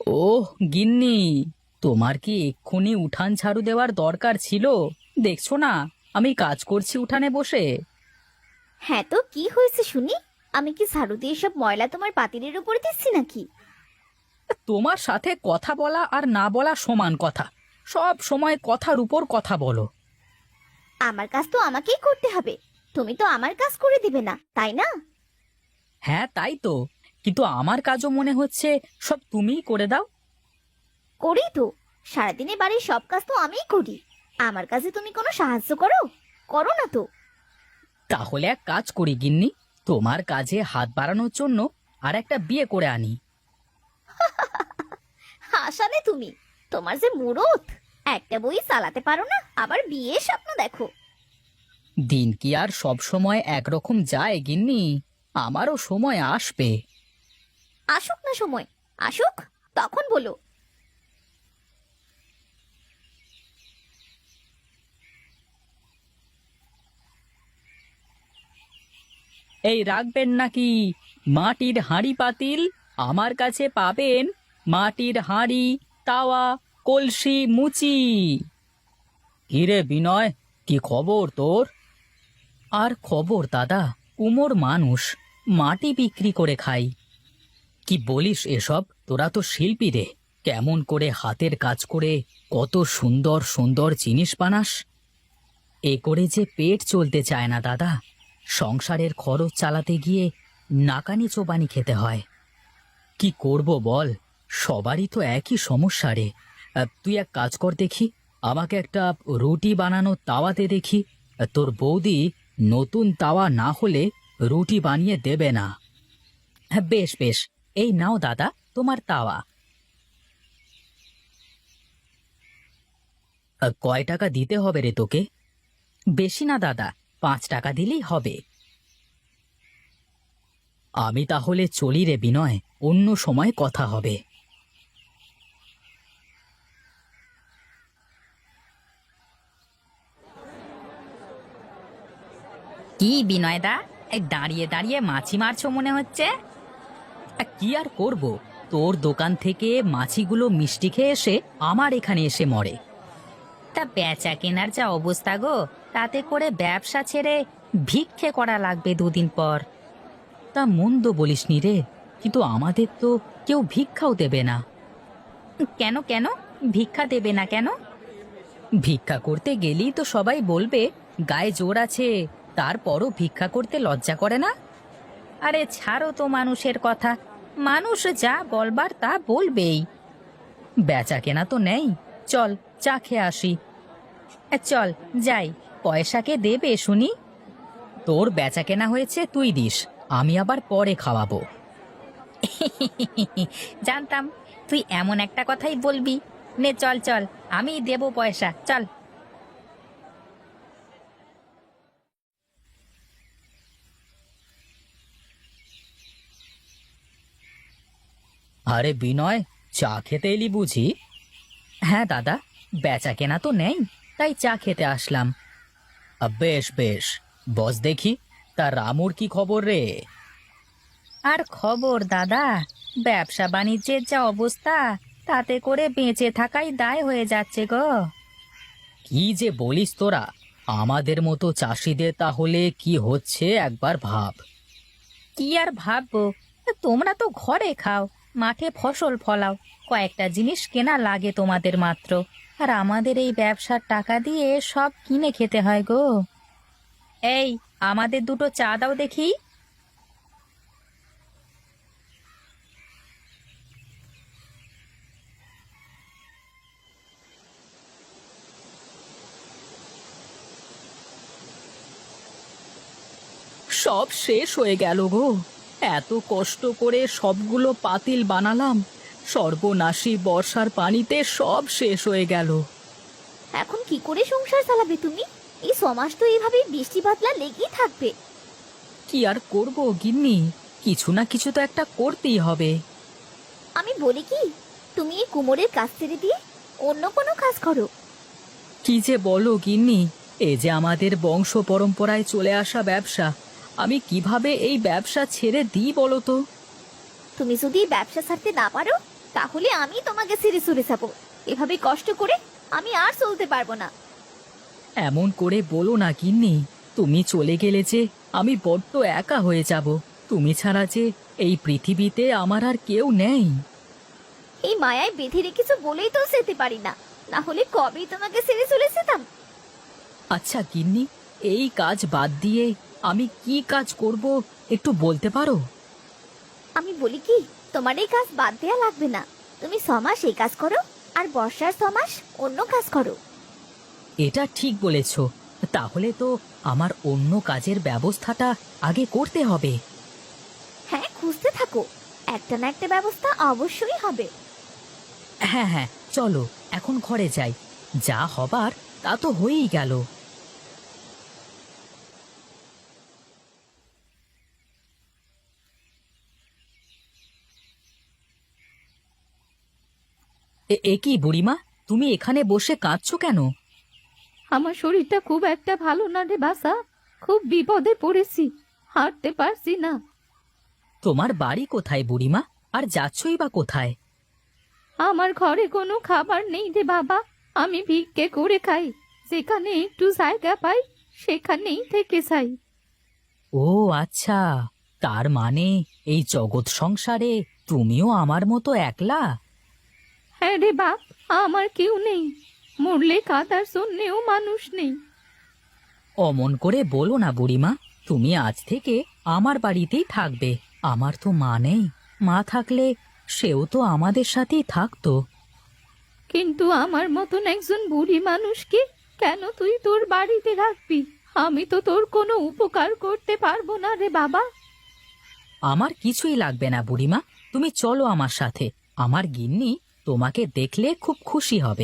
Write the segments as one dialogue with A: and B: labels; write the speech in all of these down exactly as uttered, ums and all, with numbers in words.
A: ওহ গিন্নি, তোমার কি এক্ষুনি উঠান ঝাড়ু দেওয়ার দরকার ছিল? দেখছো না আমি কাজ করছি উঠানে বসে।
B: হ্যাঁ, তো কি হয়েছে শুনি? আমি কি ঝাড়ু দিয়ে সব ময়লা তোমার পাতিলের উপরে দিচ্ছি নাকি?
A: তোমার সাথে কথা বলা আর না বলা সমান কথা। সব সময় কথার উপর কথা বলো।
B: আমার কাজ তো আমাকেই করতে হবে। তুমি তো আমার কাজ করে দিবে না, তাই না?
A: হ্যাঁ তাই তো, কিন্তু আমার কাজও মনে হচ্ছে সব তুমিই করে দাও।
B: করি তো। সারাদিনে বাড়ির সব কাজ তো আমিই করি। আমার কাজে তুমি কোনো সাহায্য করো? করো না তো।
A: তাহলে এক কাজ করি গিন্নি, তোমার কাজে হাত বাড়ানোর জন্য আর একটা বিয়ে করে আনি।
B: হাসালে তুমি। তোমার যে মুরত, একটা বই চালাতে পারো না, আবার বিয়ে স্বপ্ন দেখো।
A: দিন কি আর সব সময় একরকম যায় গিন্নি? আমারও সময় আসবে।
B: আসুক না সময়, আসুক, তখন বলো।
A: এই রাখবেন নাকি মাটির হাঁড়ি পাতিল? আমার কাছে পাবেন মাটির হাঁড়ি, তাওয়া, কলসি, মুচি। কিরে বিনয়, কি খবর তোর? আর খবর দাদা, কুমোর মানুষ, মাটি বিক্রি করে খাই। কি বলিস এসব? তোরা তো শিল্পী রে, কেমন করে হাতের কাজ করে কত সুন্দর সুন্দর জিনিস বানাস। এ করে যে পেট চলতে চায় না দাদা, সংসারের খরচ চালাতে গিয়ে নাকানি চোবানি খেতে হয়। কি করব বল, সবারই তো একই সমস্যা রে। আহ, তুই এক কাজ কর দেখি, আমাকে একটা রুটি বানানো তাওয়াতে দেখি। আহ, তোর বৌদি নতুন তাওয়া না হলে রুটি বানিয়ে দেবে না। হ্যাঁ বেশ বেশ, এই নাও দাদা তোমার তাওয়া। আহ, কয় টাকা দিতে হবে রে তোকে? বেশি না দাদা, পাঁচ টাকা দিলেই হবে। আমি তাহলে চলি রে বিনয়, অন্য সময় কথা হবে। কি বিনয়দা, এই দাঁড়িয়ে দাঁড়িয়ে মাছি মারছো মনে হচ্ছে। আ, কি আর করব, তোর দোকান থেকে মাছিগুলো মিষ্টি খেয়ে এসে আমার এখানে এসে মরে। তা বেচা কেনার যা অবস্থা গো, তাতে করে ব্যবসা ছেড়ে ভিক্ষে করা লাগবে দুদিন পর। তা মন্দ বলিসনি রে, কিন্তু আমাদের তো কেউ ভিক্ষাও দেবে না। কেন কেন ভিক্ষা দেবে না কেন? ভিক্ষা করতে গেলেই তো সবাই বলবে গায়ে জোর আছে, তারপরও ভিক্ষা করতে লজ্জা করে না। আরে ছাড়ো তো মানুষের কথা, মানুষ যা বলবার তা বলবেই। বেচা কেনা তো নেই, চল চা খেয়ে আসি। এ, চল যাই, পয়সাকে দেবে শুনি। তোর বেচা কেনা হয়েছে তুই দিস, আমি আবার পরে খাওয়াবো। জানতাম তুই এমন একটা কথাই বলবি। নে চল চল, আমি দেবো পয়সা, চল। আরে বিনয়, চা খেতে এলি বুঝি? হ্যাঁ দাদা, বেচা কেনা তো নেই, তাই চা খেতে আসলাম। আ, বেশ বেশ, বস দেখি, তা রামুর কি খবর রে? আর খবর দাদা, ব্যবসা বাণিজ্যের যা অবস্থা, তাতে করে বেঁচে থাকাই দায় হয়ে যাচ্ছে গো। কি যে বলিস তোরা, আমাদের মতো চাষিদের তাহলে কি হচ্ছে একবার ভাব। কি আর ভাববো, তোমরা তো ঘরে খাও, মাঠে ফসল ফলাও, কয়েকটা জিনিস কেনা লাগে তোমাদের মাত্র। আর আমাদের এই ব্যবসার টাকা দিয়ে সব কিনে খেতে হয় গো। এই, আমাদের দুটো চা দাও দেখি। সব শেষ হয়ে গেল গো, এত কষ্ট করে সবগুলো পাতিল বানালাম, সর্বনাশী বর্ষার পানিতে সব শেষ হয়ে গেল।
B: এখন কি করে সংসার চালাবে তুমি? এই সমাজ তো এইভাবেই বৃষ্টি বাদলা লেগেই থাকবে।
A: কি আর করব গিন্নি, কিছু না কিছু তো একটা করতেই হবে।
B: আমি বলি কি, তুমি এই কুমোরের কাজ ছেড়ে দিয়ে অন্য কোনো কাজ করো।
A: কি যে বলো গিন্নি, এ যে আমাদের বংশ পরম্পরায় চলে আসা ব্যবসা, আমি কিভাবে এই ব্যবসা ছেড়ে দিই বলো তো?
B: তুমি যদি এই ব্যবসা ছাড়তে না পারো, তাহলে আমি তোমাকে ছেড়ে চলে যাবো। এভাবে কষ্ট করে আমি আর চলতে পারবো না।
A: এমন করে বলো না গিন্নি, তুমি চলে গেলে যে আমি বড্ড একা হয়ে যাব। তুমি ছাড়া যে এই পৃথিবীতে আমার আর কেউ নেই।
B: এই মায়ায় বেঁধে রেখেছো বলেই তো যেতে পারি না, না হলে কবেই তোমাকে ছেড়ে চলে যেতাম।
A: আচ্ছা গিন্নি, এই কাজ বাদ দিয়ে আমি কি কাজ করব একটু বলতে পারো?
B: আমি বলি কি, তোমার এই কাজ বাদ দেয়া লাগবে না। তুমি ছমাস এই কাজ করো, আর বর্ষার ছমাস অন্য কাজ করো।
A: এটা ঠিক বলেছ। তাহলে তো আমার অন্য কাজের ব্যবস্থাটা আগে করতে হবে।
B: হ্যাঁ, খুঁজতে থাকো, একটা না একটা ব্যবস্থা অবশ্যই হবে।
A: হ্যাঁ হ্যাঁ, চলো এখন ঘরে যাই। যা হবার তা তো হয়েই গেল। এ- এ কি বুড়িমা, তুমি এখানে বসে কাঁদছো কেন?
C: আমার শরীরটা খুব একটা ভালো না রে বাসা, খুব বিপদে পড়েছি, হাঁটতে পারছি না।
A: তোমার বাড়ি কোথায় বুড়িমা, আর যাচ্ছই বা কোথায়?
C: আমার ঘরে কোনো খাবার নেই রে বাবা, আমি ভিক্ষে করে খাই, যেখানে একটু জায়গা পাই সেখানেই থেকে যাই।
A: ও আচ্ছা, তার মানে এই জগৎ সংসারে তুমিও আমার মতো একলা?
C: হ্যাঁ রে বাপ, আমার কেউ নেই, মরলে কাদার জন্যেও মানুষ নেই।
A: অমন করে বলো না বুড়িমা, তুমি আজ থেকে আমার বাড়িতেই থাকবে। আমার তো মা নেই, মা থাকলে সেও তো আমাদের সাথেই থাকতো।
C: কিন্তু আমার মতন একজন বুড়ি মানুষকে কেন তুই তোর বাড়িতে রাখবি? আমি তো তোর কোনো উপকার করতে পারবো না রে বাবা।
A: আমার কিছুই লাগবে না বুড়িমা, তুমি চলো আমার সাথে। আমার গিন্নি তোমাকে দেখলে খুব খুশি হবে।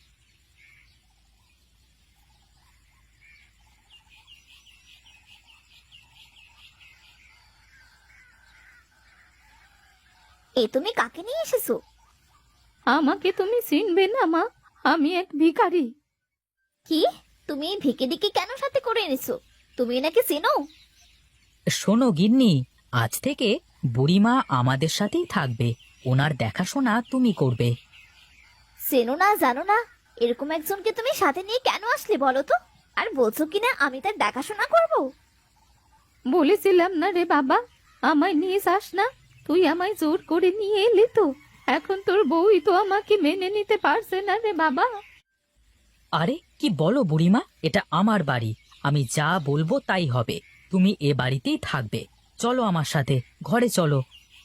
B: এ তুমি কাকে নিয়ে এসেছো?
C: আমাকে তুমি চিনবে না মা, আমি এক ভিখারি।
B: কি, তুমি এই ভিকিরিকে কেন সাথে করে এনেছো? তুমি এনাকে চেনো?
A: শোনো গিন্নি, আজ থেকে বুড়িমা আমাদের সাথেই থাকবে। ওনার দেখাশোনা তুমি করবে।
B: চেনো না জানো না, এরকম একজনকে তুমি সাথে নিয়ে কেন আসলে বলো তো? আর বলছো কিনা আমি তার দেখাশোনা করব?
C: বলেছিলাম না রে বাবা, আমায় নিয়ে যাস না। তুই আমায় জোর করে নিয়ে এলি তো, এখন তোর বউই তো আমাকে মেনে নিতে পারছে না রে বাবা।
A: আরে কি বলো বুড়িমা, এটা আমার বাড়ি, আমি যা বলবো তাই হবে। তুমি এ বাড়িতেই থাকবে। চলো আমার সাথে, ঘরে চলো।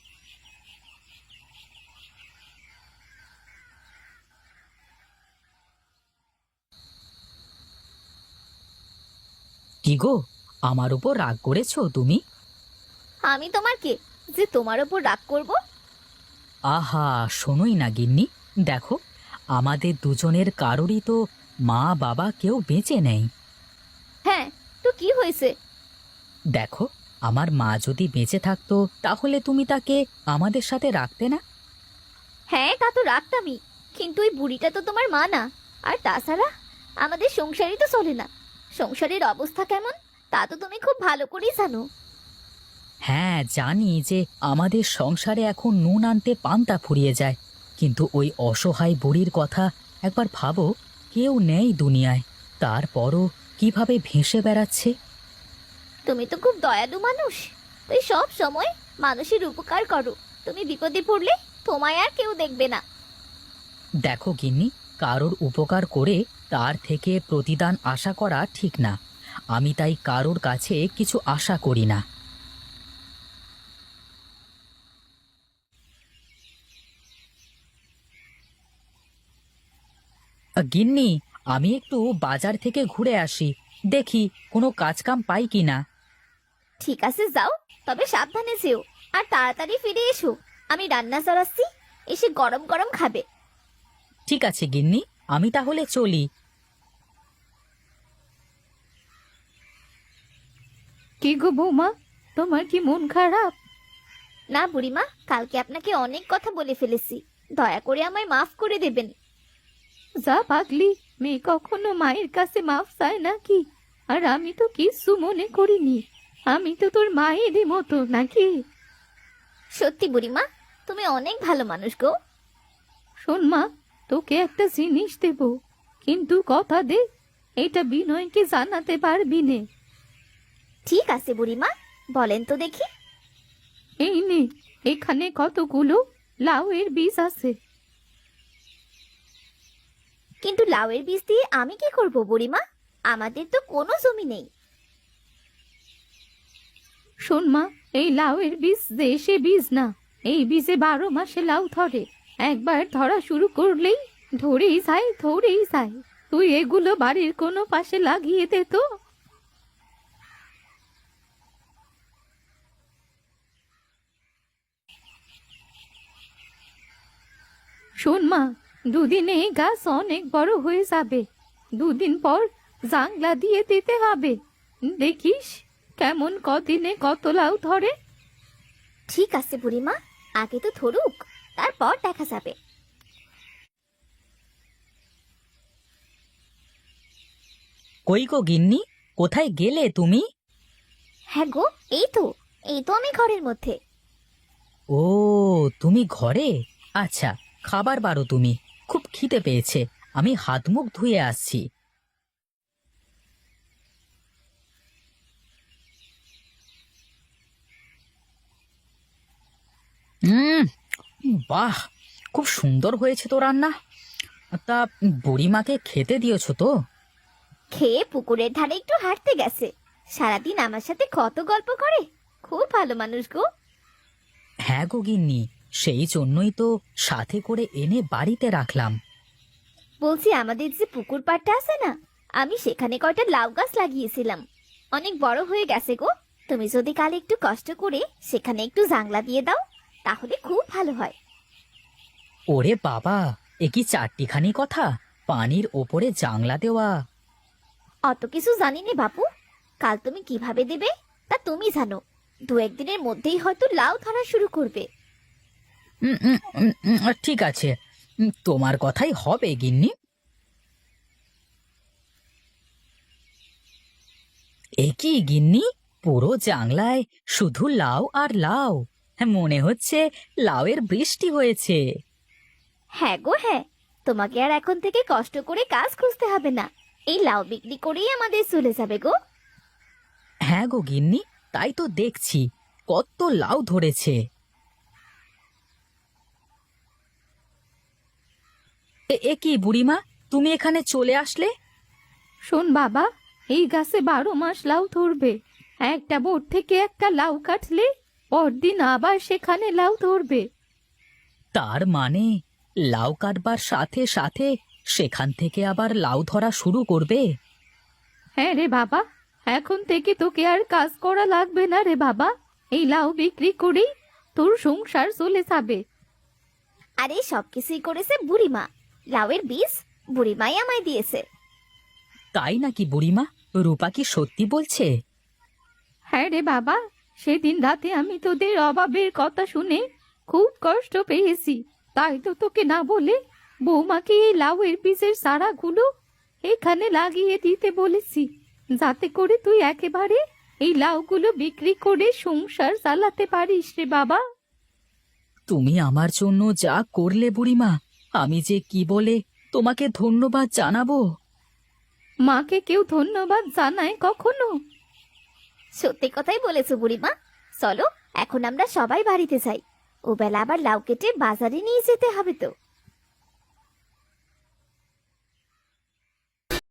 A: কি গো, আমার উপর রাগ করেছো তুমি?
B: আমি তোমার কে যে তোমার ওপর রাগ করব?
A: আহা, শোনোই না গিন্নি, দেখো আমাদের দুজনের কারোরই তো মা বাবা কেউ বেঁচে নেই।
B: হ্যাঁ, তো কি হয়েছে?
A: দেখো, আমার মা যদি বেঁচে থাকতো তাহলে তুমি তাকে আমাদের সাথে রাখতে না?
B: হ্যাঁ, তা তো রাখতামই, কিন্তু ওই বুড়িটা তো তোমার মা না। আর তাছাড়া আমাদের সংসারই তো চলে না। সংসারের অবস্থা কেমন তা তো তুমি খুব ভালো করেই জানো।
A: হ্যাঁ জানি যে আমাদের সংসারে এখন নুন আনতে পান্তা ফুরিয়ে যায়, কিন্তু ওই অসহায় বুড়ির কথা একবার ভাবো। কেউ নেই দুনিয়ায়, তারপরও কিভাবে ভেসে বেড়াচ্ছে।
B: তুমি তো খুব দয়ালু মানুষ, তুই সব সময় মানুষের উপকার করো। তুমি বিপদে পড়লে তোমায় আর কেউ দেখবে না।
A: দেখো গিন্নি, কারোর উপকার করে তার থেকে প্রতিদান আশা করা ঠিক না। আমি তাই কারোর কাছে কিছু আশা করি না। আ, গিন্নি, আমি একটু বাজার থেকে ঘুরে আসি, দেখি কোনো কাজ কাম পাই কিনা।
B: ঠিক আছে, যাও, তবে সাবধানে যেও, আর তাড়াতাড়ি ফিরে এসো। আমি রান্না চড়াচ্ছি, এসে গরম গরম খাবে।
A: ঠিক আছে গিন্নি, আমি তাহলে চলি।
C: কি গো বৌমা, তোমার কি মন খারাপ?
B: না বুড়িমা, কালকে আপনাকে অনেক কথা বলে ফেলেছি, দয়া করে আমায় মাফ করে দেবেন।
C: যা পাগলি, মেয়ে কখনো মায়ের কাছে মাফ চায় নাকি? আর আমি তো কিছু মনে করিনি, আমি তো তোর মায়েরই মতো নাকি?
B: সত্যি বুড়িমা, তুমি অনেক ভালো মানুষ গো।
C: শোন মা, তোকে একটা জিনিস দেব, কিন্তু কথা দে এটা বিনয়কে জানাতে পারবি নে।
B: ঠিক আছে বুড়িমা, বলেন তো দেখি।
C: এই নে, এখানে কতগুলো লাউয়ের বীজ আছে।
B: কিন্তু লাউয়ের বীজ দিয়ে আমি কি করব বুড়িমা? আমাদের তো কোনো জমি নেই।
C: শোন মা, এই লাউয়ের বীজ দেশে বীজ না, এই বীজে বারো মাসে লাউ ধরে। একবার ধরা শুরু করলেই ধরেই যায়, ধরেই যায়। তুই এগুলো বাড়ির কোনো পাশে লাগিয়ে দে তো। শোন মা, দুদিনে এই গাছ অনেক বড় হয়ে যাবে। দুদিন পর জাংলা দিয়ে দিতে হবে। দেখিস কেমন কদিনে কত লাউ ধরে।
B: ঠিক আছে বুড়িমা, আগে তো ধরুক, তারপর দেখা যাবে।
A: কই গো গিন্নি, কোথায় গেলে তুমি?
B: হ্যাঁ গো, এই তো এই তো আমি ঘরের মধ্যে।
A: ও, তুমি ঘরে? আচ্ছা, খাবার বারো তুমি, খুব খিদে পেয়েছে। আমি হাত মুখ ধুয়ে আসছি। হুম, বাহ, খুব সুন্দর হয়েছে তো রান্না। তা বুড়িমাকে খেতে দিয়েছো তো?
B: খেয়ে পুকুরের ধারে একটু হাঁটতে গেছে। সারাদিন আমার সাথে কত গল্প করে, খুব ভালো মানুষ গো।
A: হ্যাঁ গো গিন্নি, সেই জন্যই তো সাথে করে এনে বাড়িতে রাখলাম।
B: বলছি, আমাদের যে পুকুর পাড়টা আছে না, আমি সেখানে কয়টা লাউ গাছ লাগিয়েছিলাম, অনেক বড় হয়ে গেছে গো। তুমি যদি কাল একটু কষ্ট করে সেখানে একটু জাংলা দিয়ে দাও, তাহলে খুব ভালো হয়।
A: ওরে বাবা, এ কি চারটিখানি কথা! পানির ওপরে জাংলা দেওয়া!
B: অত কিছু জানি নে বাপু, কাল তুমি কিভাবে দেবে তা তুমি জানো। দু একদিনের মধ্যেই হয়তো লাউ ধরা শুরু করবে।
A: উম, উম, উম, উম, ঠিক আছে, উম, তোমার কথাই হবে গিন্নি। এ কি গিন্নি, পুরো জাংলায় শুধু লাউ আর লাউ! হ্যাঁ, মনে হচ্ছে লাউয়ের বৃষ্টি হয়েছে।
B: হ্যাঁ গো হ্যাঁ, তোমাকে আর এখন থেকে কষ্ট করে কাজ খুঁজতে হবে না, এই লাউ বিক্রি করেই আমাদের চলে যাবে গো।
A: হ্যাঁ গো গিন্নি, তাই তো দেখছি কত লাউ ধরেছে। এ এ কি বুড়িমা, তুমি এখানে চলে আসলে?
C: শোন বাবা, এই গাছে বারো মাস লাউ ধরবে। একটা বোট থেকে একটা লাউ কাটলে পরদিন আবার সেখানে লাউ ধরবে।
A: তার মানে লাউ কাটবার সাথে সাথে সেখান থেকে আবার লাউ ধরা শুরু করবে?
C: হ্যাঁ রে বাবা, এখন থেকে তোকে আর কাজ করা লাগবে না রে বাবা। এই লাউ বিক্রি করেই তোর সংসার চলে যাবে।
B: আর এই সব কিছুই করেছে বুড়িমা, লাউয়ের বীজ বুড়িমাই আমায় দিয়েছে।
A: তাই নাকি বুড়িমা? রূপা কি সত্যি বলছে?
C: হ্যাঁ রে বাবা, সেদিন রাতে আমি তোদের অভাবের কথা শুনে খুব কষ্ট পেয়েছি, তাই তো তোকে না বলে বৌমাকে এই লাউয়ের বীজের চারাগুলো এখানে লাগিয়ে দিতে বলেছি, যাতে করে তুই একেবারে এই লাউগুলো বিক্রি করে সংসার চালাতে পারিস রে বাবা।
A: তুমি আমার জন্য যা করলে বুড়িমা, আমি যে কি বলে তোমাকে ধন্যবাদ জানাবো।
C: মাকে কেউ ধন্যবাদ জানায় কখনো?
B: সত্যি কথাই বলেছো বুড়িমা। চলো এখন আমরা সবাই বাড়িতে যাই, ও বেলা আবার লাউ কেটে বাজারে নিয়ে যেতে হবে তো।